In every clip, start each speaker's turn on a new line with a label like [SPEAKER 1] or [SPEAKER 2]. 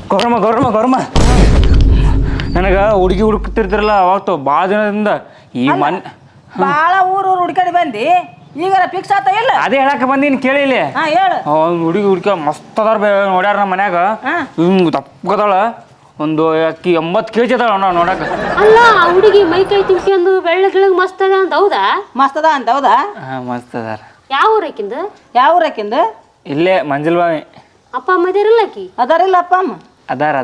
[SPEAKER 1] ಗೌರಮ್ಮ ನನಗೆ ಹುಡುಗಿ ಹುಡುಕ್ತಿರ್ತಿರಲ್ಲ ಅವಾಗ ಭಾಳ ದಿನದಿಂದ ಈ ಮನ್
[SPEAKER 2] ಭಾಳ ಊರು ಹುಡ್ಕಾಡಿ ಬಂದಿ ಈಗಾರ ಫಿಕ್ಸ್ ಆತ ಇಲ್ಲ
[SPEAKER 1] ಅದೇ ಹೇಳಕ್ಕೆ ಬಂದೀನಿ ಕೇಳಿಲಿ
[SPEAKER 2] ಹೇಳು
[SPEAKER 1] ಹುಡುಗಿ ಹುಡುಕ ಮಸ್ತ್ ಅದಾರ ನೋಡ್ಯಾರ ನಮ್ಮ ಮನ್ಯಾಗ ಹಿಂಗೆ ದಪ್ಪಗದಾಳ ಒಂದು ಅಕ್ಕಿ 80 kg ಅದಾಳ ನೋಡಕ್ಕೆ
[SPEAKER 3] ಅಲ್ಲ ಹುಡುಗಿ ಮೈ ಕೈ ತಿನ್ಕೊಂಡು ಬೆಳ್ಳಗಿಳಗ್ ಮಸ್ತ್ ಅದ ಅಂತ ಹೌದಾ
[SPEAKER 2] ಮಸ್ತ್ ಅದ ಅಂತ ಹೌದಾ
[SPEAKER 1] ಮಸ್ತ್ ಅದಾರ
[SPEAKER 3] ಯಾವ ಊರಕ್ಕಿಂದ
[SPEAKER 2] ಯಾವ ಊರಕ್ಕಿಂದ
[SPEAKER 1] ಇಲ್ಲೇ ಮಂಜಲ್ ಬಾವಿ
[SPEAKER 3] ಅಪ್ಪ ಅಮ್ಮ ಇದಿರಲ್ಲ ಆಕಿ
[SPEAKER 2] ಅದಾರಿಲ್ಲ ಅಪ್ಪ ಅಮ್ಮ
[SPEAKER 1] ಅದಾರ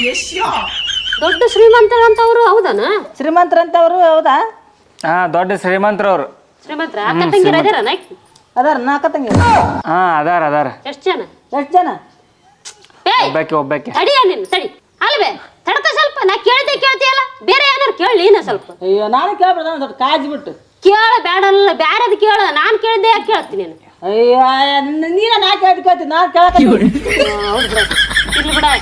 [SPEAKER 3] ದೊಡ್ಡ ಶ್ರೀಮಂತರ ಅಂತವ್ರು ಹೌದಾನ
[SPEAKER 2] ಶ್ರೀಮಂತರಂತವ್ರು ಹೌದಾ
[SPEAKER 1] ದೊಡ್ಡ ಶ್ರೀಮಂತರವ್ರು
[SPEAKER 3] ಶ್ರೀಮಂತರ ಅಕ್ಕ ತಂಗಿರ ಅದಾರ ಆಕಿ
[SPEAKER 2] ಅದಾರ ನಾಲ್ಕ ತಂಗಿ
[SPEAKER 1] ಅದಾರ
[SPEAKER 3] ಎಷ್ಟು ಜನ
[SPEAKER 2] ಜನ
[SPEAKER 1] ಒಬ್ಬಾಕಿ
[SPEAKER 3] ತಡಿಯ ನೀನು ತಡಿ ಅಲ್ವೇ ತಡ್ಕ ಸ್ವಲ್ಪ ನಾ ಕೇಳ್ತೀಯಲ್ಲ ಬೇರೆ ಏನಾರು ಕೇಳಿ ನಾ ಸ್ವಲ್ಪ
[SPEAKER 2] ಅಯ್ಯೋ ನಾನು ಕೇಳ್ಬಿಡ್ದ ದೊಡ್ಡ ಕಾಜಿ ಬಿಟ್ಟು
[SPEAKER 3] ಕೇಳ ಬೇಡಲ್ಲ ಬ್ಯಾರದ್ ಕೇಳ ನಾನು ಕೇಳಿದ್ದೆ ಯಾಕೆ ಕೇಳ್ತೀನಿ ನೀನು
[SPEAKER 2] ಅಯ್ಯೋ ನೀನ ನಾ ಕೇಳ್ತೀನಿ ನಾನು ಕೇಳಕ್ಕೆ
[SPEAKER 3] ಹೌದು ಬಿಡ ಇರ್ಲಿ ಬಿಡ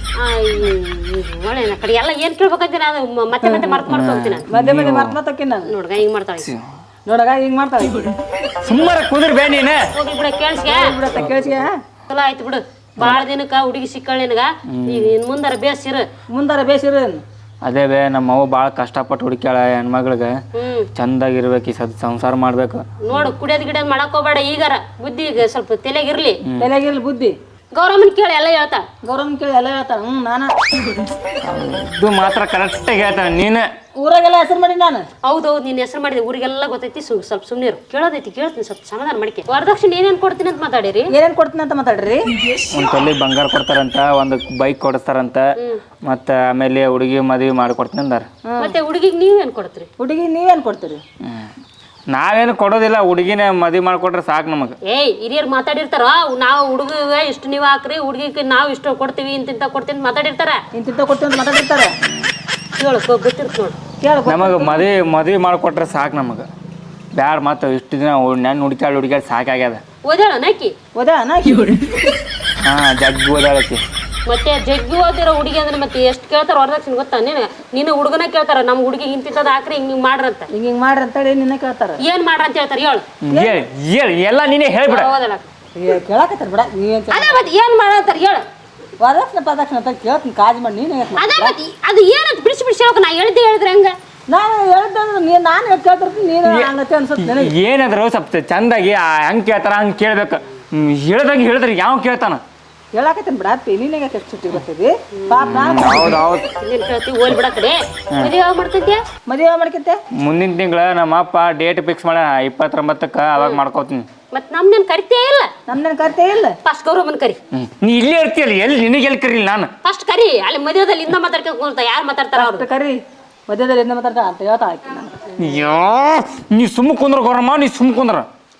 [SPEAKER 3] ಒಳ್ಳೆ ಕಡೆ ಎಲ್ಲ ಏನ್ ಕೇಳ್ಬೇಕಂತೀನಿ ಅದು ಮತ್ತೆ ಮರ್ತು ಹೋಗ್ತೀನಿ
[SPEAKER 2] ಮಧ್ಯೆ ಮರ್ತೋಕ್ಕಿ ನಾನು
[SPEAKER 3] ನೋಡ್ಗ ಹಿಂಗ್ ಮಾಡ್ತಾಳೆ
[SPEAKER 2] ನೋಡಗ ಹಿಂಗ್ ಮಾಡ್ತಾಳೆ
[SPEAKER 1] ಸುಮ್ಮನೆ ಕುದುರ್ ಬೇ ನೀನು
[SPEAKER 3] ಹೋಗ್ಲಿ ಬಿಡ ಕೇಳಿಸ್ಗೆ
[SPEAKER 2] ಬಿಡತ್ತ ಕೇಳಿಸ್ಗೆ
[SPEAKER 3] ಚಲೋ ಆಯ್ತು ಬಿಡು ಭಾಳ ದಿನಕ್ಕ ಹುಡುಗಿ ಸಿಕ್ಕಳ ನಿನಗ ಈಗ ಇನ್ ಮುಂದಾರ ಬೇಸಿರು
[SPEAKER 2] ಮುಂದಾರ ಬೇಸಿರ
[SPEAKER 1] ಅದೇ ಬೇ ನಮ್ಮ ಅವ್ವ ಭಾಳ ಕಷ್ಟಪಟ್ಟು ಹುಡುಕ್ಯಾಳ ಹೆಣ್ಮಗಳಿಗೆ ಚಂದಾಗಿರ್ಬೇಕು ಈ ಸಂಸಾರ ಮಾಡ್ಬೇಕು
[SPEAKER 3] ನೋಡು ಕುಡಿಯೋದ್ ಗಿಡೋದ್ ಮಾಡಕ್ ಹೋಗ್ಬೇಡ ಈಗಾರ ಬುದ್ಧಿ ಈಗ ಸ್ವಲ್ಪ ತಲೆಗಿರ್ಲಿ
[SPEAKER 2] ತಲೆಗಿರ್ಲಿ ಬುದ್ಧಿ
[SPEAKER 3] ಗೌರಮ್ಮನ್ ಕೇಳಿ ಎಲ್ಲ ಹೇಳ್ತಾ
[SPEAKER 2] ಗೌರವನ್ ಕೇಳಿ ಎಲ್ಲ ಹೇಳ್ತಾರ ನಾನು
[SPEAKER 1] ಇದು ಮಾತ್ರ ಕರೆಕ್ಟಾಗಿ ಹೇಳ್ತಾನೆ ನೀನು
[SPEAKER 2] ಊರಾಗೆಲ್ಲ ಹೆಸರು ಮಾಡಿ ನಾನು
[SPEAKER 3] ಹೌದೌದು ನಿನ್ನ ಹೆಸರು ಮಾಡಿದೆ ಊರಿಗೆಲ್ಲ ಗೊತ್ತೈತಿ ಸ್ವಲ್ಪ ಸುಮ್ಮನೆ ಕೇಳೋದೈತಿ ಕೇಳ್ತೀನಿ ಸ್ವಲ್ಪ ಸಮಾಧಾನ ಮಾಡಿಕೆ ವರದಕ್ಷಿಣೆ ಏನೇನು ಕೊಡ್ತೀನಿ ಅಂತ ಮಾತಾಡಿರಿ
[SPEAKER 2] ಏನೇನು ಕೊಡ್ತೀನಿ ಅಂತ ಮಾತಾಡ್ರಿ
[SPEAKER 1] ಒಂದು ತೊಲಿ ಬಂಗಾರ ಕೊಡ್ತಾರಂತ ಒಂದು ಬೈಕ್ ಕೊಡಿಸ್ತಾರಂತ ಮತ್ತೆ ಆಮೇಲೆ ಹುಡುಗಿ ಮದುವೆ ಮಾಡಿಕೊಡ್ತೀನಿ ಅಂದಾರ
[SPEAKER 3] ಮತ್ತೆ ಹುಡುಗಿಗೆ ನೀವೇನು ಕೊಡ್ತೀರಿ
[SPEAKER 2] ಹುಡುಗಿ ನೀವೇನು ಕೊಡ್ತೀರಿ
[SPEAKER 1] ನಾವೇನು ಕೊಡೋದಿಲ್ಲ ಹುಡುಗಿನೇ ಮದುವೆ ಮಾಡಿಕೊಟ್ರೆ ಸಾಕು ನಮಗೆ
[SPEAKER 3] ಹಿರಿಯರು ಮಾತಾಡಿರ್ತಾರ ನಾವು ಹುಡುಗಿಗೆ ಇಷ್ಟು ನೀವು ಹಾಕ್ರಿ ಹುಡುಗಿಗೆ ನಾವು ಇಷ್ಟು ಕೊಡ್ತೀವಿ ಇಂತಿಂತ ಕೊಡ್ತೀನಿ ಅಂತ ಮಾತಾಡಿರ್ತಾರ
[SPEAKER 2] ಇಂತಿಂತ ಕೊಡ್ತೀವಿ ಅಂತ ಮಾತಾಡಿರ್ತಾರೆ
[SPEAKER 3] ಕೇಳು ಗೊತ್ತಿರ್ತ ನೋಡಿ
[SPEAKER 1] ನಮಗೆ ಮದುವೆ ಮಾಡಿಕೊಟ್ರೆ ಸಾಕು ನಮಗೆ ಬ್ಯಾಡ ಮತ್ತೆ ಇಷ್ಟು ದಿನ ನನ್ನ ಹುಡುಕ್ಯಾಡು ಸಾಕಾಗ್ಯದ
[SPEAKER 3] ಓದಾಳ ನಾಕಿ
[SPEAKER 1] ಜಗ್ಗಿ ಓದಾಳಕ್ಕೆ
[SPEAKER 3] ಮತ್ತೆ ಜಗ್ಗಿ ಓದಿರೋ ಹುಡುಗಿ ಅಂದ್ರೆ ಮತ್ತೆ ಎಷ್ಟು ಕೇಳ್ತಾರ ವರದಕ್ಷಿಣೆ ಗೊತ್ತಾ ನೀನು ಹುಡುಗನ ಕೇಳ್ತಾರ ನಮ್ಮ ಹುಡುಗಿ ಇಂತಿಂತದ ಹಾಕ್ರಿ ಹಿಂಗ್ ಮಾಡ್ರಂತ
[SPEAKER 2] ಹಿಂಗ್ ಮಾಡ್ರಿ ಅಂತ ಹೇಳಿ ನಿನ್ನ ಕೇಳ್ತಾರ
[SPEAKER 3] ಏನ್ ಮಾಡ್ರ ಅಂತ ಹೇಳ್ತಾರ
[SPEAKER 1] ಹೇಳು ಎಲ್ಲ ನೀನೇ ಹೇಳ್ಬಿಡ
[SPEAKER 3] ಓದಲ್ಲ
[SPEAKER 2] ಕೇಳಕತ್ತಾರ ಬಿಡ ನೀವೇನ್
[SPEAKER 3] ಅದೇ ಮತ್ತೆ ಏನ್ ಮಾಡಂತಾರ ಹೇಳು
[SPEAKER 2] ವರದಕ್ಷಿಣೆ ಅಂತ ಕೇಳ್ತೀನಿ ಕಾಜ್ ಮಾಡಿ ನೀನು
[SPEAKER 3] ಅದೇ ಮತ್ತೆ ಅದು ಏನಂತ ಬಿಡಿಸಿ ಹೇಳ್ಬೇಕು ನಾ ಹೇಳಿದ್ರೆ ಹಂಗ
[SPEAKER 2] ನಾನು ಹೇಳ್ದಂದ್ರೆ ನಾನು ಕೇಳ್ತಿರ್ತೀನಿ ನೀನು ಹಂಗತ್ತೆ ಅನ್ಸುತ್ತೆ ನನಗೆ
[SPEAKER 1] ಏನಾದ್ರು ಸ್ವಲ್ಪ ಚಂದಾಗಿ ಹೆಂಗೆ ಕೇಳ್ತಾರ ಹಂಗೆ ಕೇಳ್ಬೇಕು ಹೇಳ್ದಂಗೆ ಹೇಳಿದ್ರೆ ಯಾವ ಕೇಳ್ತಾನ
[SPEAKER 2] ಹೇಳಕತ್ತೀನಿ ಬಿಡ ನೀನೇ ಎಷ್ಟು ಸುಟ್ಟಿ ಬರ್ತಿದ್ವಿ ಪಾಪ
[SPEAKER 3] ಕೇಳ್ತೀವಿ ಓಲ್ ಬಿಡ ಕಡೆ ಮದುವೆ ಯಾವಾಗ ಮಾಡ್ತಿದ್ಯಾ
[SPEAKER 2] ಮದುವೆ ಮಾಡ್ಕತ್ತೆ
[SPEAKER 1] ಮುಂದಿನ ತಿಂಗಳ ನಮ್ಮ ಅಪ್ಪ ಡೇಟ್ ಫಿಕ್ಸ್ ಮಾಡ 29ಕ್ಕೆ ಅವಾಗ ಮಾಡ್ಕೋತೀನಿ
[SPEAKER 3] ಮತ್ತೆ ನಮ್ನೇನು ಕರಿತೇ ಇಲ್ಲ
[SPEAKER 2] ನಮ್ನೇನು ಕರಿತೇ ಇಲ್ಲ
[SPEAKER 3] ಫಸ್ಟ್ ಗೌರವನ್ ಕರಿ
[SPEAKER 1] ನೀ ಇಲ್ಲೇ ಇರ್ತೀಯಲ್ಲ ಎಲ್ಲಿ ನಿನಗೆ ಎಲ್ಲಿ ಕರೀಲಿ ನಾನು
[SPEAKER 3] ಫಸ್ಟ್ ಕರಿ ಅಲ್ಲಿ ಮದುವೆದಲ್ಲಿ ಇಂದ ಮಾತಾಡ್ಕೊಂತ ಯಾರು ಮಾತಾಡ್ತಾರ ಅವ್ರು
[SPEAKER 2] ಕರಿ ಮಧ್ಯದಲ್ಲಿ ಎಂದ ಮಾತಾಡ್ತಾ ಅಂತ ಹೇಳ್ತಾ ಹಾಕಿ ನಾನು
[SPEAKER 1] ಅಯ್ಯೋ ನೀ ಸುಮ್ಮ ಕುಂದ್ರ ಗೌರಮ್ಮ ನೀ ಸುಮ್ಮ ಕುಂದ್ರ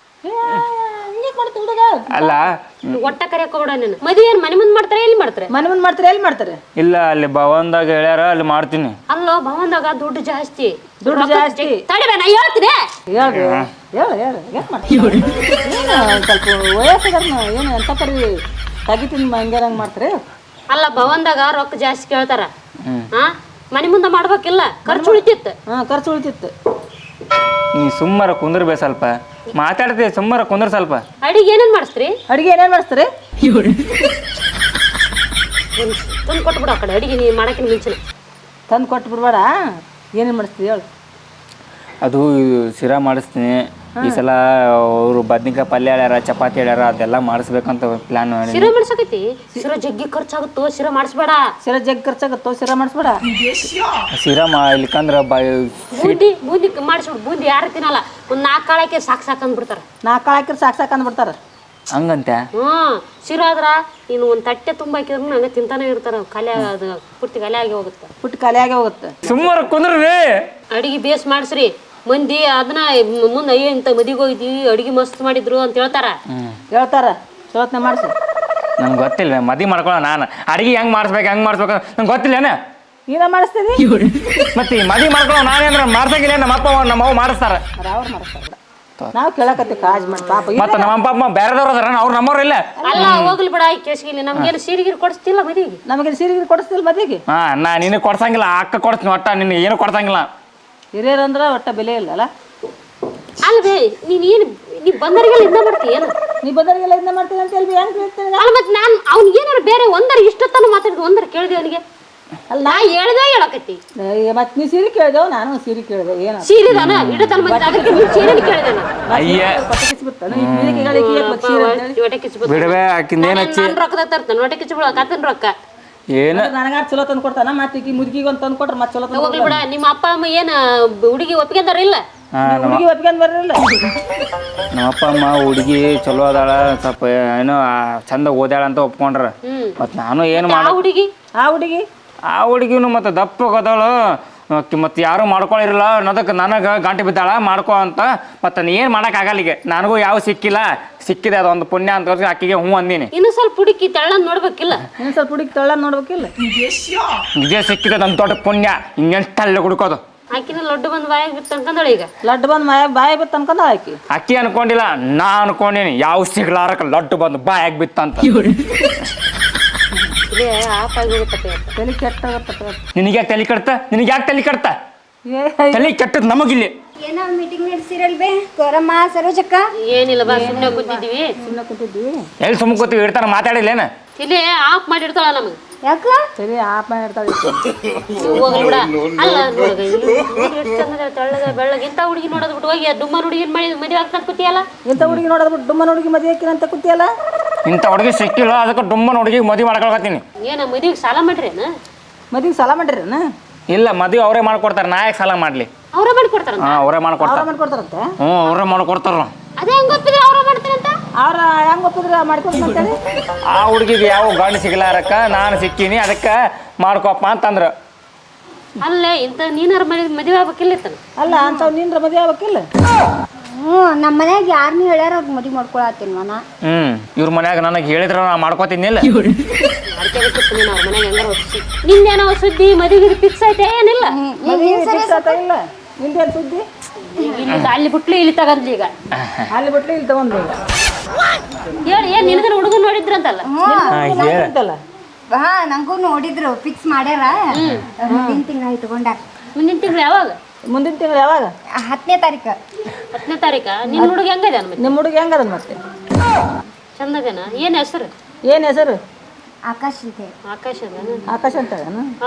[SPEAKER 1] ಅಲ್ಲ
[SPEAKER 3] ಒಟ್ಟ ಕರಿಯಕ್ ಹೋಗ್ಬೇಡ ನೀನು ಮದುವೆ ಏನು ಮನೆ ಮುಂದೆ ಮಾಡ್ತಾರೆ ಎಲ್ಲಿ ಮಾಡ್ತಾರೆ
[SPEAKER 2] ಮನೆ ಮುಂದೆ ಮಾಡ್ತಾರೆ ಎಲ್ಲಿ ಮಾಡ್ತಾರೆ
[SPEAKER 1] ಇಲ್ಲ ಅಲ್ಲಿ ಭವನ್ದಾಗ ಹೇಳ್ಯಾರ ಅಲ್ಲಿ ಮಾಡ್ತೀನಿ
[SPEAKER 3] ಅಲ್ಲೋ ಭವನ್ದಾಗ ದುಡ್ಡು ಜಾಸ್ತಿ ತಡಿಬೇ ನಾ ಹೇಳ್ತೀನಿ
[SPEAKER 2] ಹೇಳು ಏನು ಮಾಡ್ತೀವಿ ಸ್ವಲ್ಪ ವಯಸ್ಸಾಗ ಏನು ಎಂತ ಪರಿ ತೆಗಿತೀನಿ ಹಂಗೆ ಮಾಡ್ತಾರೆ
[SPEAKER 3] ಅಲ್ಲ ಭವನ್ದಾಗ ರೊಕ್ಕ ಜಾಸ್ತಿ ಕೇಳ್ತಾರ ಹಾ ಮನೆ ಮುಂದೆ ಮಾಡ್ಬೇಕಿಲ್ಲ ಖರ್ಚು ಉಳಿತಿತ್ತು
[SPEAKER 2] ಖರ್ಚು ಉಳಿತಿತ್ತು
[SPEAKER 1] ನೀ ಸುಮ್ಮರ ಕುಂದ್ರಬೇ ಸ್ವಲ್ಪ ಮಾತಾಡ್ತೀವಿ ಸುಮ್ಮರ ಕುಂದ್ರ ಸ್ವಲ್ಪ
[SPEAKER 3] ಅಡಿಗೆ ಏನೇನ್ ಮಾಡಿಸ್ತೀರಿ
[SPEAKER 2] ಅಡಿಗೆ ಏನೇನು ಮಾಡಿಸ್ತೀರಿ
[SPEAKER 3] ತಂದು ಕೊಟ್ಬಿಡು ಆ ಕಡೆ ಅಡಿಗೆ ನೀ ಮಾಡಕ್ಕಿನ ಮುಂಚೆನೆ
[SPEAKER 2] ತಂದು ಕೊಟ್ಟು ಬಿಡ್ಬೇಡ ಏನೇನು ಮಾಡಿಸ್ತೀವಿ ಹೇಳು
[SPEAKER 1] ಅದು ಶಿರಾ ಮಾಡಿಸ್ತೀನಿ ಈ ಸಲ ಅವರು ಬದ್ನಿಕಾಯಿ ಪಲ್ಯ ಹೇಳ್ಯಾರ ಚಪಾತಿ ಹೇಳ್ಯಾರ ಅದೆಲ್ಲ ಮಾಡಿಸ್ಬೇಕಂತ ಪ್ಲಾನ್ ಮಾಡಿ
[SPEAKER 3] ಶಿರಾ ಮಾಡ್ಸಕೈತಿ ಶಿರಾ ಜಗ್ಗಿ ಖರ್ಚಾಗುತ್ತೋ ಶಿರಾ ಮಾಡಿಸ್ಬೇಡ
[SPEAKER 2] ಶಿರಾ ಜಗ್ಗಿ ಖರ್ಚಾಗುತ್ತೋ ಶಿರಾ ಮಾಡಿಸ್ಬೇಡ
[SPEAKER 1] ಶಿರಾ ಇಲ್ಲಿಕಂದ್ರೆ
[SPEAKER 3] ಬೂಂದಿ ಮಾಡಿಸ್ಬಿಡು ಬೂಂದಿ ಯಾರು ತಿನ್ನಲ್ಲ ಒಂದು 4 ಕಾಳಕ್ಕೆ ಸಾಕು ಅಂದ್ಬಿಡ್ತಾರ
[SPEAKER 2] 4 ಕಾಳು ಹಾಕಿದ್ರೆ ಸಾಕು ಅಂದ್ಬಿಡ್ತಾರ
[SPEAKER 1] ಹಂಗಂತೆ
[SPEAKER 3] ಶಿರಾ ಆದ್ರ ನೀನು ಒಂದು ತಟ್ಟೆ ತುಂಬ ಹಾಕಿದ್ರು ಹಂಗೆ ತಿಂತಾನೆ ಇರ್ತಾರ ಖಾಲಿ ಅದು ಪುಟ್ಟಿ ಖಾಲಿ ಆಗಿ ಹೋಗುತ್ತೆ
[SPEAKER 2] ಪುಟ್ಟಿ ಖಾಲಿ ಆಗಿ ಹೋಗುತ್ತೆ
[SPEAKER 1] ಸುಮ್ಮರ ಕುಂದ್ರಿ
[SPEAKER 3] ಅಡಿಗೆ ಬೇಸ್ ಮಾಡಿಸ್ರಿ ಮಂದಿ ಅದನ್ನ ಮುಂದೆ ಅಯ್ಯೋ ಇಂಥ ಮದಿಗೆ ಹೋಗಿದ್ವಿ ಅಡಿಗೆ ಮಸ್ತ್ ಮಾಡಿದ್ರು ಅಂತ ಹೇಳ್ತಾರ
[SPEAKER 2] ಚಲೋತ್ನ ಮಾಡಿಸಿ
[SPEAKER 1] ನಂಗೆ ಗೊತ್ತಿಲ್ಲ ಮದಿ ಮಾಡ್ಕೊಳ್ಳೋ ನಾನು ಅಡಿಗೆ ಹೆಂಗೆ ಮಾಡಿಸ್ಬೇಕು ನಂಗೆ ಗೊತ್ತಿಲ್ಲೇನ
[SPEAKER 2] ನೀನ ಮಾಡಿಸ್ತೀವಿ
[SPEAKER 1] ಮತ್ತೆ ಮದಿ ಮಾಡ್ಕೊಳ್ಳೋ ನಾನೇಂದ್ರೆ ಮಾಡ್ಸಂಗಿಲ್ಲ ನಮ್ಮ ಅಪ್ಪ ನಮ್ಮ ಅವ್ವ ಮಾಡಿಸ್ತಾರ
[SPEAKER 2] ಅವ್ರು ಮಾಡಿಸ್ತಾರ ನಾವು ಕೇಳಕತ್ತಿ ಕಾಜ್ ಮಾಡಿ ಪಾಪ
[SPEAKER 1] ಮತ್ತೆ ನಮ್ಮ ಅಪ್ಪ ಬೇರೆದವ್ರು ಅದಾರ ಅವ್ರು ನಮ್ಮವ್ರು ಇಲ್ಲ
[SPEAKER 3] ಅಲ್ಲ ಹೋಗ್ಲಿ ಬಿಡ ಕೇಸಿಗಿಲ್ಲ ನಮ್ಗೇನು ಸೀರೆಗಿರಿ ಕೊಡಿಸ್ತಿಲ್ಲ ಮದಿಗೆ
[SPEAKER 2] ನಮಗೆ ಸೀರೆಗಿರಿ ಕೊಡಿಸ್ತಿಲ್ಲ ಮದಿಗೆ
[SPEAKER 1] ನಾ ನಿನಗೆ ಕೊಡ್ಸಂಗಿಲ್ಲ ಅಕ್ಕ ಕೊಡ್ತೀನಿ ಒಟ್ಟ ನಿನ್ನ ಏನು ಕೊಡ್ಸಂಗಿಲ್ಲ
[SPEAKER 2] ಹಿರಿಯರಂದ್ರೆ ಒಟ್ಟ ಬೆಲೆ ಇಲ್ಲ ಅಲ್ಲ
[SPEAKER 3] ಅಲ್ವೇ ನೀನು ಏನು ನೀ ಬಂದರಿಗೆಲ್ಲ ಇಂದ ಮಾಡ್ತಿ ಏನು
[SPEAKER 2] ನೀ ಬಂದವರಿಗೆಲ್ಲ ಇದನ್ನ ಮಾಡ್ತೀನಿ ಅಂತ ಹೇಳಿ ಹೆಂಗ್ ಕೇಳ್ತೀನಿ
[SPEAKER 3] ಅಲ್ಲ ಮತ್ತೆ ನಾನು ಅವ್ನಿಗೆ ಏನಾರು ಬೇರೆ ಒಂದರ ಇಷ್ಟೊತ್ತನ ಮಾತಾಡಿದ್ ಒಂದರ ಕೇಳಿದೆ ಅವನಿಗೆ
[SPEAKER 2] ಅಲ್ಲ
[SPEAKER 3] ನಾ ಹೇಳ್ದೆ ಹೇಳಕತ್ತಿ
[SPEAKER 2] ಮತ್ತೆ ನೀ ಸೀರೆ ಕೇಳಿದೆವು ನಾನು ಸೀರೆ ಕೇಳಿದೆ ಏನು
[SPEAKER 3] ಸೀರಿದಾನ ಇಡತನ ಮತ್ತೆ ಅದಕ್ಕೆ ಸೀರೆ ಕೇಳಿದೆ
[SPEAKER 1] ಅಯ್ಯ
[SPEAKER 3] ಹೊಟ್ಟೆ ಕಿಚ್ಚು
[SPEAKER 1] ಬಿಡವೆ ಆಕಿಂದ ಏನ್ ಹಚ್ಚಿ
[SPEAKER 3] ನಾನು ರೊಕ್ಕದ ತರ್ತೇನೆ ಹೊಟ್ಟೆ ಕಿಚ್ಚು ಬಿಡ ಕತ್ತನ ರೊಕ್ಕ
[SPEAKER 1] ಏನ
[SPEAKER 2] ನನಗಾರ ಚಲೋ ತಂದು ಕೊಡ್ತಾನ ಮತ್ತೆ ಈಗ ಮುದುಕಿಗೆ ಒಂದು ತಂದು ಕೊಟ್ರೆ ಮತ್ತೆ ಚಲೋ ತಂದು
[SPEAKER 3] ಹೋಗ್ಲಿ ಬಿಡ ನಿಮ್ಮ ಅಪ್ಪ ಅಮ್ಮ ಏನ ಹುಡುಗಿ ಒಪ್ಪಿಗೆದಾರ ಇಲ್ಲ
[SPEAKER 2] ಹುಡುಗಿ ಒಪ್ಕೊಂಡು ಬರಲಿಲ್ಲ
[SPEAKER 1] ನಮ್ಮ ಅಪ್ಪ ಅಮ್ಮ ಹುಡುಗಿ ಚಲೋ ಅದಾಳ ಸ್ವಲ್ಪ ಏನೋ ಚಂದ ಓದ್ಯಾಳ ಅಂತ ಒಪ್ಕೊಂಡ್ರ ಮತ್ ನಾನು ಏನು
[SPEAKER 3] ಆ ಹುಡುಗಿ
[SPEAKER 1] ಆ ಹುಡುಗಿನು ಮತ್ತೆ ದಪ್ಪ ಹೋಗೋದವಳು ಮತ್ತೆ ಯಾರು ಮಾಡ್ಕೊಳ್ಳಿರಲ್ಲ ಅನ್ನೋದಕ್ಕೆ ನನಗೆ ಗಂಟೆ ಬಿದ್ದಾಳ ಮಾಡ್ಕೊ ಅಂತ ಮತ್ತೆ ನೀ ಏನು ಮಾಡೋಕ್ಕಾಗಲ್ಲ ಈಗ ನನಗೂ ಯಾವ ಸಿಕ್ಕಿಲ್ಲ ಸಿಕ್ಕಿದೆ ಅದೊಂದು ಪುಣ್ಯ ಅಂತ ಆಕಿಗೆ ಹ್ಞೂ ಅಂದೀನಿ
[SPEAKER 3] ಇನ್ನು ಸ್ವಲ್ಪ ಹುಡುಕಿ ತೆಳ್ಳನ್ ನೋಡ್ಬೇಕಿಲ್ಲ
[SPEAKER 2] ಇನ್ನು ಸ್ವಲ್ಪ ಹುಡುಗಿ ತೆಳ್ಳ ನೋಡ್ಬೇಕಿಲ್ಲ
[SPEAKER 1] ಇದೇ ಸಿಕ್ಕಿದೆ ನನ್ನ ದೊಡ್ಡ ಪುಣ್ಯ ಇನ್ನೆಷ್ಟಲ್ಲ ಹುಡುಕೋದು
[SPEAKER 3] ಆಕಿನ ಲಡ್ಡು ಬಂದು ಬಾಯಿಗೆ ಬಿತ್ತು ಅನ್ಕೊಂಡಳ ಈಗ
[SPEAKER 2] ಲಡ್ಡು ಬಂದು ಬಾಯಿ ಬಿತ್ತು ಅನ್ಕೊಂಡ ಆಕಿ
[SPEAKER 1] ಅಕ್ಕಿ ಅನ್ಕೊಂಡಿಲ್ಲ ನಾ ಅನ್ಕೊಂಡೀನಿ ಯಾವ ಸಿಗ್ಲಾರಕ್ಕೆ ಲಡ್ಡು ಬಂದು ಬಾಯಾಗಿ ಬಿತ್ತಂತ
[SPEAKER 3] ಆಫ್ ಆಗಿರುತ್ತೆ
[SPEAKER 2] ತಲೆ ಕೆಟ್ಟಾಗತ್ತ
[SPEAKER 1] ನಿನಗೆ ಯಾಕೆ ತಲೆ ಕಡ್ತ ನಿನಗೆ ಯಾಕೆ ತಲೆ ಕಡ್ತ ತಲೆ ಕೆಟ್ಟದ್ ನಮಗಿಲ್ಲಿ
[SPEAKER 4] ಏನೋ ಮೀಟಿಂಗ್ ನಡೆಸಿರಲ್ ಬೇ ಕೋರಮ್ಮ ಸರೋಜಕ್ಕ
[SPEAKER 3] ಏನಿಲ್ಲ ಬಾ ಸುಮ್ಮನೆ ಕೂತಿದ್ದೀವಿ
[SPEAKER 2] ಸುಮ್ಮನೆ ಕೂತಿದ್ವಿ
[SPEAKER 1] ಎಲ್ಲಿ ಸುಮ್ಮ ಕೂತೀವಿ ಇಡ್ತಾರ ಮಾತಾಡಿಲ್ಲೇನ
[SPEAKER 3] ಇಲ್ಲಿ ಆಫ್ ಮಾಡಿರ್ತಾಳ ನಮಗೆ
[SPEAKER 4] ಯಾಕ
[SPEAKER 2] ಸರಿ ಆಪ ಇರ್ತಾಳೆ
[SPEAKER 3] ಹೋಗ್ಲಿ ಬಿಡ ಅಲ್ಲ ನೋಡ್ಗ ಎಷ್ಟು ಚಂದ ತೆಳ್ಳಗ ಬೆಳ್ಳಗ ಇಂಥ ಹುಡುಗಿ ನೋಡೋದು ಬಿಟ್ಟು ಹೋಗಿ ಡುಮ್ಮ ಹುಡುಗಿನ ಮದುವೆ ಆಗ್ತಾ ಕೂತಿಯಲ್ಲ
[SPEAKER 2] ಇಂಥ ಹುಡುಗಿ ನೋಡೋದು ಬಿಟ್ಟು ಡುಮ್ಮನ ಹುಡುಗಿ ಮದುವೆ ಹಾಕಿನಂತ ಕೂತಿಯಲ್ಲ
[SPEAKER 1] ಇಂಥ ಹುಡುಗಿ ಸಿಕ್ಕಿಲ್ಲ ಅದಕ್ಕೆ ಡುಮ್ಮನ ಹುಡುಗಿಗೆ ಮದುವೆ ಮಾಡ್ಕೊಳಕತ್ತೀನಿ
[SPEAKER 3] ಏನ ಮದುವೆಗೆ ಸಾಲ ಮಾಡ್ರೇನ
[SPEAKER 2] ಮದುವೆಗೆ ಸಾಲ ಮಾಡಿರೇನ
[SPEAKER 1] ಇಲ್ಲ ಮದುವೆ ಅವರೇ ಮಾಡ್ಕೊಡ್ತಾರೆ ನಾ ಯಾಕೆ ಸಾಲ ಮಾಡ್ಲಿ
[SPEAKER 3] ಅವ್ರ ಮಾಡ್ಕೊಡ್ತಾರ
[SPEAKER 1] ಹಾಂ ಅವರೇ ಮಾಡ್ಕೊಡ್ತಾರೆ
[SPEAKER 2] ಮಾಡ್ಕೊಡ್ತಾರಂತೆ
[SPEAKER 1] ಹ್ಞೂ ಅವರೇ ಮಾಡ್ಕೊಡ್ತಾರ
[SPEAKER 3] ಅದೇ ಹೆಂಗ್ ಗೊತ್ತಿದ್ರೆ ಅವ್ರ ಮಾಡ್ತಾರಂತ
[SPEAKER 2] ಅವ್ರ ಹೆಂಗ್ ಒಪ್ಪಿದ್ರೆ ಮಾಡ್ಕೊಡ್ತಂತೇಳಿ
[SPEAKER 1] ಆ ಹುಡುಗಿಗೆ ಯಾವ ಗಂಡು ಸಿಗ್ಲಾರಕ್ಕ ನಾನು ಸಿಕ್ಕೀನಿ ಅದಕ್ಕೆ ಮಾಡ್ಕೊಪ್ಪ ಅಂತಂದ್ರು
[SPEAKER 3] ಅಲ್ಲೇ ಇಂಥ ನೀನಾರ ಮದುವೆ ಆಗ್ಬೇಕಿಲ್ಲ ಇತ್ತನ
[SPEAKER 2] ಅಲ್ಲ ಅಂಥವ್ ನಿನ್ರ ಮದುವೆ ಆಗ್ಬೇಕಿಲ್ಲ
[SPEAKER 4] ನಮ್ಮ ಮನ್ಯಾಗ ಯಾರನ್ನೂ ಹೇಳ್ಯಾರ ಅವ್ರಿಗೆ ಮದುವೆ ಮಾಡ್ಕೊಳತ್ತೀನಿ ಮನ
[SPEAKER 1] ಇವ್ರ ಮನ್ಯಾಗ ನನಗೆ ಹೇಳಿದ್ರ ನಾ ಮಾಡ್ಕೋತಿದ್ನಿಲ್ಲ
[SPEAKER 3] ಮಾಡ್ಕೋಬೇಕಿತ್ತು ನೀನು ಅವ್ರ ಮನೆಗೆ ಹೆಂಗಾರ ಒಪ್ಪಿಸಿ ನಿಂದೇನೋ ಸುದ್ದಿ ಮದುವೆಗೆ ಫಿಕ್ಸ್ ಆಯ್ತಾ ಏನಿಲ್ಲ
[SPEAKER 2] ಇಲ್ಲ ನಿಂದೇನು ಸುದ್ದಿ
[SPEAKER 3] ಇಲ್ಲಿ ಅಲ್ಲಿ ಬಿಟ್ಲು ಇಲ್ಲಿ ತಗಂದ್ಲಿ ಈಗ
[SPEAKER 2] ಅಲ್ಲಿ ಬಿಟ್ಲಿ ಇಲ್ಲಿ ತಗೊಂಡು
[SPEAKER 3] ಹೇಳಿ ಏನ್ ನಿನಗನ ಹುಡುಗನ್ ನೋಡಿದ್ರಂತಲ್ಲ
[SPEAKER 2] ಅಂತಲ್ಲ
[SPEAKER 4] ಹಾ ನಂಗೂ ನೋಡಿದ್ರು ಫಿಕ್ಸ್ ಮಾಡ್ಯಾರ ಮುಂದಿನ ತಿಂಗಳ ಇಟ್ಕೊಂಡಾರ
[SPEAKER 3] ಮುಂದಿನ ತಿಂಗಳು ಯಾವಾಗ
[SPEAKER 2] ಮುಂದಿನ ತಿಂಗಳು ಯಾವಾಗ
[SPEAKER 4] 10ನೇ ತಾರೀಕು
[SPEAKER 3] 10ನೇ ತಾರೀಕ ನಿನ್ನ ಹುಡುಗ ಹೆಂಗದ ಮತ್ತೆ
[SPEAKER 2] ನಿಮ್ಮ ಹುಡುಗಿ ಹೆಂಗದ ಮತ್ತೆ
[SPEAKER 3] ಚಂದಗನ ಏನ್ ಹೆಸರು
[SPEAKER 2] ಏನು ಹೆಸರು
[SPEAKER 4] ಆಕಾಶ್ ಇದೆ
[SPEAKER 3] ಆಕಾಶ
[SPEAKER 2] ಆಕಾಶ ಅಂತ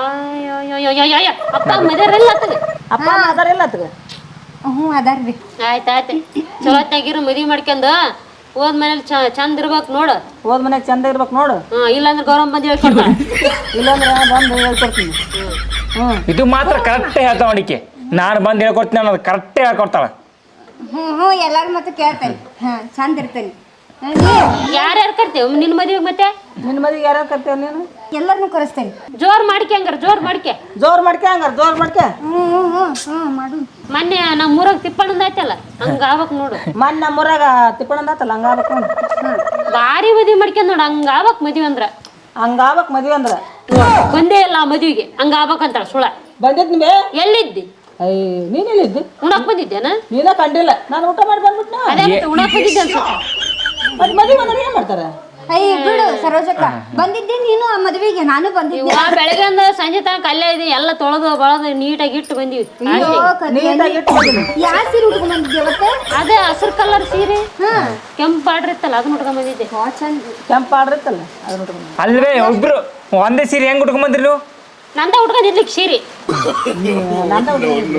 [SPEAKER 3] ಅಪ್ಪ ಮದ್ಯಾರಲ್ಲ ಆತಗ
[SPEAKER 2] ಅಪ್ಪ ಅಮ್ಮ ಅದಾರೆಲ್ಲ ಆತಗ
[SPEAKER 4] ಅದಾರ ಬಿ
[SPEAKER 3] ಆಯ್ತಾಯ್ತು ಚಲೋ ಹೊತ್ತಾಗಿರು ಮದ್ವಿ ಮಾಡ್ಕೊಂಡ ಹೋದ್ ಮನೇಲಿ ಚಂದ ಇರ್ಬೇಕು ನೋಡು
[SPEAKER 2] ಹೋದ್ ಮನ್ಯಾಗ ಚಂದ ಇರ್ಬೇಕು ನೋಡು
[SPEAKER 3] ಇಲ್ಲಾಂದ್ರೆ ಗೌರವ ಬಂದು ಹೇಳ್ಕೊಡ್ತಾಳ
[SPEAKER 2] ಇಲ್ಲಾಂದ್ರೆ ಬಂದು ಹೇಳ್ಕೊಡ್ತೀನಿ
[SPEAKER 1] ಇದು ಮಾತ್ರ ಕರೆಕ್ಟೇ ಹೇಳ್ತಾವ ಅಡಿಕೆ ನಾನು ಬಂದು ಹೇಳ್ಕೊಡ್ತೀನಿ ಅನ್ನೋದು ಕರೆಕ್ಟೇ ಹೇಳ್ಕೊಡ್ತಾಳೆ
[SPEAKER 4] ಎಲ್ಲಾರು ಮತ್ತೆ ಕೇಳ್ತೇನೆ ಚಂದ ಇರ್ತೇನೆ
[SPEAKER 3] ಯಾರ್ಯಾರು ಕರ್ತೀವಿ ನಿನ್ನ ಮದ್ವೆಗೆ ಮತ್ತೆ
[SPEAKER 2] ನಿನ್ನ ಮದುವೆಗೆ ಯಾರ್ಯಾರು ಕರ್ತೇವೆ ನೀನು
[SPEAKER 4] ಎಲ್ಲರನ್ನೂ ಕರೆಸ್ತೇನೆ
[SPEAKER 3] ಜೋರ್ ಮಾಡ್ಕೆ ಹಂಗಾರ ಜೋರ್ ಮಾಡ್ಕೆ
[SPEAKER 2] ಜೋರ್ ಮಾಡ್ಕೆ ಹಂಗಾರ ಜೋರ್ ಮಾಡ್ಕೆ
[SPEAKER 4] ಮಾಡು
[SPEAKER 3] ಮೊನ್ನೆ ನಮ್ಮ ಊರಾಗ ತಿಪ್ಪಣ್ಣಂದ ಆಯ್ತಲ್ಲ ಹಂಗ ಆಗ್ಬೇಕು ನೋಡು
[SPEAKER 2] ಮೊನ್ನೆ ನಮ್ಮೂರಾಗ ತಿಪ್ಪಣ್ಣಂದ ಆತಲ್ಲ ಹಂಗಾಗ್ಬೇಕು ನೋಡು
[SPEAKER 3] ಭಾರಿ ಮದ್ವಿ ಮಾಡ್ಕೊಂಡ್ ನೋಡು ಹಂಗ ಆಗ್ಬೇಕು ಮದ್ವಿ ಅಂದ್ರ
[SPEAKER 2] ಹಂಗಾಗ್ಬೇಕು ಮದುವೆ ಅಂದ್ರೆ
[SPEAKER 3] ಬಂದೇ ಇಲ್ಲ ಆ ಮದ್ವಿಗೆ ಹಂಗ ಆಗ್ಬೇಕಂತಾಳ ಸುಳ
[SPEAKER 2] ಬಂದಿದ್ ಬೇ
[SPEAKER 3] ಎಲ್ಲಿದ್ದಿ
[SPEAKER 2] ಅಯ್ಯ ನೀನೆಲ್ಲಿದ್ದು
[SPEAKER 3] ಉಣಕ್ ಬಂದಿದ್ದೇನ
[SPEAKER 2] ನೀನ ಕಂಡಿಲ್ಲ ನಾನು ಊಟ ಮಾಡಿ ಬಂದ್ಬಿಟ್ನ
[SPEAKER 3] ಅದೇ ಮತ್ತೆ ಉಣಕ್ ಬಂದಿದ್ದೆ ಅನ್ಸುತ್ತೆ
[SPEAKER 2] ಮತ್ತೆ ಮದುವೆ ಅಂದ್ರೆ ಏನ್ ಮಾಡ್ತಾರೆ
[SPEAKER 4] ಅಯ್ಯ ಬಿಡು ಸರೋಜಕ್ಕ ಬಂದಿದ್ದೆ ನೀನು ಆ ಮದುವೆಗೆ ನಾನು ಬಂದಿದ್ದೆ
[SPEAKER 3] ಬೆಳಗ್ಗೆಂದ ಸಂಜೆ ತನಕ ಅಲ್ಲೇ ಇದೀನಿ ಎಲ್ಲ ತೊಳೆದು ಬಳದು ನೀಟಾಗಿ ಇಟ್ಟು ಬಂದಿವಿ
[SPEAKER 2] ನೀಟಾಗಿ ಇಟ್ಟು ಬಂದಿನಿ
[SPEAKER 4] ಯಾವ ಸೀರೆ ಉಟ್ಕೊಂಡ್ ಬಂದಿದ್ದೆ ಅವತ್ತೆ
[SPEAKER 3] ಅದೇ ಹಸಿರು ಕಲರ್ ಸೀರೆ ಕೆಂಪು ಬಾಡ್ರ್ ಇತ್ತಲ್ಲ ಅದನ್ನ ಉಟ್ಕೊಂಡ್ ಬಂದಿದ್ದೆ
[SPEAKER 4] ಚಂದ
[SPEAKER 2] ಕೆಂಪು ಆಡ್ರಿತ್ತಲ್ಲ ಅದನ್ನ ಉಟ್ಕೊಂಡು
[SPEAKER 1] ಅಲ್ವೇ ಒಬ್ರು ಒಂದೇ ಸೀರೆ ಹೆಂಗ್ ಉಟ್ಕೊಂಡ್ ಬಂದ್ರಿ ನೀವು
[SPEAKER 3] ನಂದ ಉಟ್ಕೊಂಡಿರ್ಲಿಕ್ಕೆ ಸೀರೆ
[SPEAKER 2] ನಂದ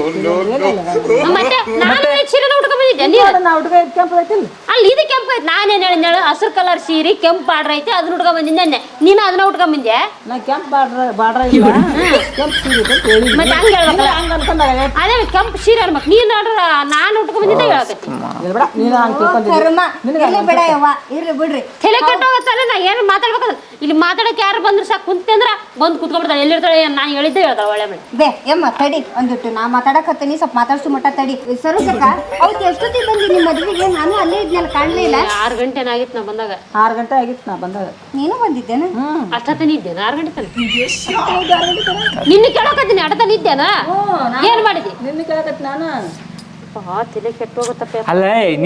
[SPEAKER 3] ಮತ್ತೆ ನಾನು ಸೀರೆನ ಉಟ್ಕೊಂಡ್ ಬಂದಿದ್ದೆ ನೀನು
[SPEAKER 2] ನಾ ಹುಡುಗ ಕೆಂಪು ಐತಿಲ್ಲ
[SPEAKER 3] ಅಲ್ಲಿ ಇದು ಕೆಂಪು ಐತೆ ನಾನೇನು ಹೇಳಿದ್ನೇಳು ಹಸಿರು ಕಲರ್ ಸೀರೆ ಕೆಂಪು ಬಾಡ್ರ್ ಐತೆ ಅದನ್ನ ಉಟ್ಕೊಂಡ್ ಬಂದಿದ್ದೆ ಅಂದೆ ನೀನು ಅದನ್ನ ಉಟ್ಕೊಂಡ್ ಬಂದೆ
[SPEAKER 2] ನಾ ಕೆಂಪು ಬಾಡ್ರ ಇಲ್ಲ ಕೆಂಪು ಸೀರೆ ಅಂತ ಹೇಳಿ
[SPEAKER 3] ಮತ್ತೆ ಹಂಗೆ ಹೇಳ್ಬೇಕಲ್ಲ
[SPEAKER 2] ಹಂಗ ಅನ್ಕೊಂಡಾಗ
[SPEAKER 3] ಅದೇ ಕೆಂಪು ಸೀರೆ ಅನ್ಬೇಕು ನೀನು ನೋಡ್ರ ನಾನು ಉಟ್ಕೊಂಡ್ ಬಂದಿದ್ದೆ ಹೇಳಕತ್ತಿ
[SPEAKER 2] ಬಿಡ ನೀನು ಹಂಗೆ ತಿಳ್ಕೊಂಡಿದ್ದಿ
[SPEAKER 4] ಕರ್ಮ ಇರ್ಲಿ ಬಿಡ ಯವ್ವ ಇರ್ಲಿ ಬಿಡ್ರಿ
[SPEAKER 3] ತಲೆ ಕೆಟ್ಟೋಗತ್ತಲ್ಲ ನಾ ಏನು ಮಾತಾಡ್ಬೇಕಲ್ಲ ಇಲ್ಲಿ ಮಾತಾಡಕ್ಕೆ ಯಾರು ಬಂದ್ರು ಸಾಕು ಕುಂತೆ ಅಂದ್ರ ಬಂದು ಕುತ್ಕೊಂಡ್ಬಿಡ್ತಾಳೆ ಎಲ್ಲಿರ್ತಾಳೆ ನಾನು ಹೇಳಿದ್ದೆ ಹೇಳ್ತಾಳೆ ಒಳ್ಳೆ ಮನೆ
[SPEAKER 4] ಬೇ ಯಮ್ಮ ತಡಿ ಒಂದಿಟ್ಟು ನಾ ಮಾತಾಡಕತ್ತೀನಿ ಸ್ವಲ್ಪ ಮಾತಾಡ್ಸು ಮಟ್ಟ ತಡಿ ಸರೋಜಕ್ಕ ಅವತ್ತು ಎಷ್ಟೊತ್ತಿಗೆ ಬಂದಿ ನಿಮ್ಮ ಮದುವೆಗೆ ನಾನು ಅಲ್ಲೇ ಇದ್ನಲ್ಲ ಕಾಣಲಿಲ್ಲ
[SPEAKER 3] 6 ಗಂಟೆ ಆಗಿತ್ತು ನಾ ಬಂದಾಗ
[SPEAKER 2] 6 ಗಂಟೆ ಆಗಿತ್ತು ನಾ ಬಂದಾಗ
[SPEAKER 4] ನೀನು ಬಂದಿದ್ದೇನ
[SPEAKER 3] ಅಷ್ಟೊತ್ತನ ಇದ್ದೇನೆ 6 ಗಂಟೆ ತನಕ ನಿನ್ನೆ ಕೇಳಕತ್ತೀನಿ ಅಡತನ ಇದ್ದೇನಾ ಏನ್ ಮಾಡಿದಿ
[SPEAKER 2] ನಿನ್ನ ಕೇಳಕತ್ತಿ ನಾನು
[SPEAKER 3] ತಲೆ ಕೆಟ್ಟೋಗತ್ತಪ್ಪ
[SPEAKER 1] ಅಲ್ಲ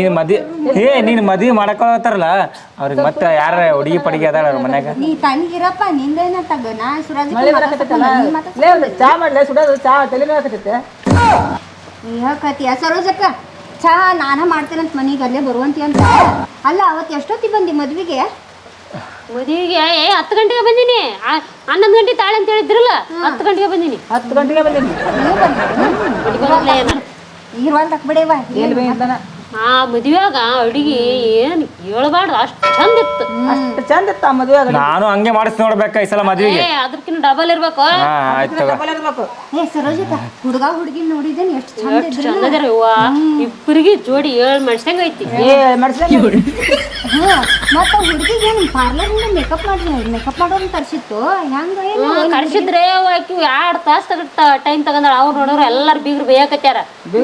[SPEAKER 1] ನೀನು ಮದುವೆ ಮಾಡಕೊಳತ್ತಾರಲ್ಲ ಅವ್ರಿಗೆ ಮತ್ತೆ ಯಾರ ಹುಡುಗಿ ಪಡಿಗೆ ಅದಾಳ ಅವ್ರ ಮನ್ಯಾಗ
[SPEAKER 4] ನೀ ತಣ್ಣಗಿರಪ್ಪ ನಿಂದೇನ ತಗ ನಾ
[SPEAKER 2] ಮಳೆ ಬರಕತ್ತೈತಲ್ಲ ಲೇ ಒಂದು ಚಾ ಮಾಡ್ಲೆ ಸುಡೋದು ಚಾ ತಲೆ ಹಾಕತೈತೆ
[SPEAKER 4] ಹೇಳ್ಕತಿಯ ಸರೋಜಕ್ಕ ಚಹಾ ನಾನ ಮಾಡ್ತೇನಂತ ಮನೆಗೆ ಅಲ್ಲೇ ಬರುವಂತಿ ಅಂತ. ಅಲ್ಲ ಅವತ್ತು ಎಷ್ಟೊತ್ತಿಗೆ ಬಂದಿ ಮದ್ವಿಗೆ?
[SPEAKER 3] ಮದುವೆಗೆ 10 ಗಂಟೆಗೆ ಬಂದೀನಿ. 11 ಗಂಟೆ ತಾಳೆ ಅಂತ ಹೇಳಿದ್ರಲ್ಲ, 10 ಗಂಟೆಗೆ ಬಂದೀನಿ.
[SPEAKER 2] 10 ಗಂಟೆಗೆ ಬಂದೀನಿ.
[SPEAKER 4] ನೀವು ಬಂದ್ರಿ? ಇರುವಂತ ಹಾಕ್ಬಿಡೇವ
[SPEAKER 2] ಎಲ್ಲಿ ಬೇಯ್ತಾನ
[SPEAKER 3] ಆ ಮದುವೆಯಾಗ ಅಡಿಗೆ ಏನು ಹೇಳ್ಬಾರ್ದು, ಅಷ್ಟು ಚಂದ ಇತ್ತು.
[SPEAKER 2] ಅಷ್ಟು ಚಂದ ಇತ್ತು ಆ ಮದುವೆ
[SPEAKER 1] ನಾನು ಹಂಗೆ ಮಾಡಿಸ್ ನೋಡ್ಬೇಕ ಈ ಸಲ ಮದ್ವಿಗೆ.
[SPEAKER 3] ಅದಕ್ಕಿಂತ ಡಬಲ್ ಇರ್ಬೇಕು.
[SPEAKER 1] ಆಯ್ತು
[SPEAKER 2] ಇರ್ಬೇಕು.
[SPEAKER 4] ಏ ಸರೋಜಕ್ಕ, ಹುಡುಗ ಹುಡುಗಿ ನೋಡಿದೇನೆ ಎಷ್ಟು ಚಂದ
[SPEAKER 3] ಎಷ್ಟು ಚಂದ ಅದಾರ ಇವ್ವ. ಇಬ್ಬರಿಗೆ ಜೋಡಿ 7 ಮನುಷ್ಯಂಗ ಐತಿ.
[SPEAKER 4] ಮತ್ತ ಹುಡುಗಿಗೆ ಏನು ಪಾರ್ಲರ್ ಮೇಕಪ್ ಮಾಡೋನ್ ತರ್ಸಿತ್ತು ಹೆಂಗ
[SPEAKER 3] ಕರ್ಸಿದ್ರೆ ಆಕಿ 2 ತಾಸು ಟೈಮ್ ತಗೊಂಡಾಳ. ಅವ್ರು ನೋಡೋರು ಎಲ್ಲಾರು ಬೀಗ್ರು ಬೇಯಕತ್ಯಾರ.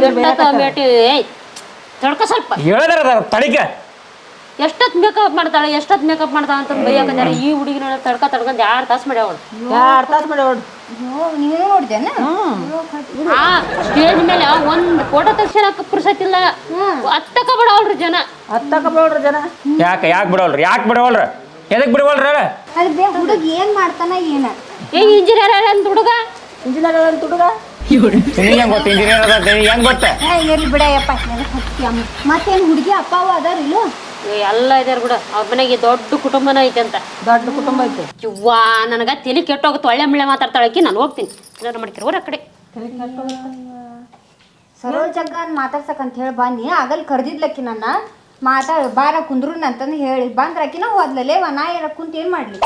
[SPEAKER 3] ತಡ್ಕ ಸ್ವಲ್ಪ
[SPEAKER 1] ಹೇಳಿದಾರ ತಡಿಕೆ
[SPEAKER 3] ಎಷ್ಟೊತ್ತು ಮೇಕಪ್ ಮಾಡ್ತಾಳೆ ಅಂತ ಬೈಯಾಕತ್ಯಾರ. ಈ ಹುಡುಗಿ ನೋಡ ತಡ್ಕೊಂಡ್ 2 ತಾಸು ಮಾಡ್ಯಾವಳು.
[SPEAKER 2] 2 ತಾಸು ಮಾಡಿ ಹೊಡ್
[SPEAKER 4] ನೀವೇ ನೋಡಿದೇನ?
[SPEAKER 3] ಆ ಸ್ಟೇಜ್ ಮೇಲೆ ಒಂದ್ ಫೋಟೋ ತೆಗ್ಸಕ್ ಪುರ್ಸತ್ತಿಲ್ಲ. ಹತ್ತಕ ಬಿಡವಲ್ರಿ ಜನ.
[SPEAKER 2] ಜನ
[SPEAKER 1] ಯಾಕೆ ಬಿಡವಲ್ರ ಎದಕ್ ಬಿಡವಲ್ರ?
[SPEAKER 4] ಅದ್ ಹುಡುಗ ಏನ್ ಮಾಡ್ತಾನ ಏನ?
[SPEAKER 3] ಇಂಜಿನಿಯರ್ ಅಂತ ಹುಡುಗ
[SPEAKER 2] ಇಂಜಿನಿಯರ್ ಹುಡುಗ
[SPEAKER 1] ನಿನಗೆ ಹೆಂಗ್ ಗೊತ್ತ ಇಂಜಿನಿಯರ್ ಅದ ಹೆಂಗ್ ಗೊತ್ತ?
[SPEAKER 4] ಇರ್ಲಿ ಬಿಡಯಪ್ಪ, ಮತ್ತೇನ್ ಹುಡುಗಿ ಅಪ್ಪ ಅವ ಅದಾರಿಲ್ಲ?
[SPEAKER 3] ಎಲ್ಲ ಇದಾರ ಬಿಡ. ಅವ್ರ ಮನೆಗೆ ದೊಡ್ಡ ಕುಟುಂಬನ ಐತೆ ಅಂತ.
[SPEAKER 2] ದೊಡ್ಡ ಕುಟುಂಬ ಐತೆ.
[SPEAKER 3] ಇವ್ವಾ ನನಗ ತಲೆ ಕೆಟ್ಟೋಗುತ್ತೆ. ಒಳ್ಳೆ ಮುಳ್ಳೆ ಮಾತಾಡ್ತಾಳಕಿ. ನಾನು ಹೋಗ್ತೀನಿ. ಏನಾರು ಮಾಡ್ತೀರ ಅವ್ರ ಕಡೆ.
[SPEAKER 4] ಸರೋಜಕ್ಕ ಮಾತಾಡ್ಸಕಂತ ಹೇಳಿ ಬನ್ನಿ. ಆಗಲ್ ಕರ್ದಿದ್ಲಕ್ಕಿ ನನ್ನ ಬಾರ ಕುಂದ್ರನ್ ಅಂತಂದು ಹೇಳಿ ಬಂದ್ರಾಕಿನ ಹೋದ್ಲಲ್ಲೇ ನಾ ಏನ ಕುಂತ ಏನ್ ಮಾಡ್ಲಿ?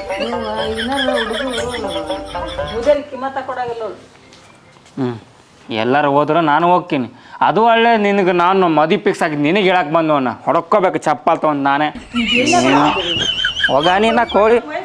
[SPEAKER 2] ಕಿಮ್ಮತ್ತ ಕೊಡಾಗಿಲ್ಲ.
[SPEAKER 1] ಎಲ್ಲರೂ ಹೋದ್ರೆ ನಾನು ಹೋಗ್ತೀನಿ. ಅದು ಒಳ್ಳೆ ನಿನಗೆ ನಾನು ಮದಿ ಫಿಕ್ಸ್ ಆಗಿದ್ದು ನಿನಗೆ ಹೇಳಕ್ಕೆ ಬಂದವನ್ನ ಹೊಡ್ಕೋಬೇಕು ಚಪ್ಪಲ್ ತೊಗೊಂಡು ನಾನೇ ಹೋಗ ನೀನ ಕೋಳಿ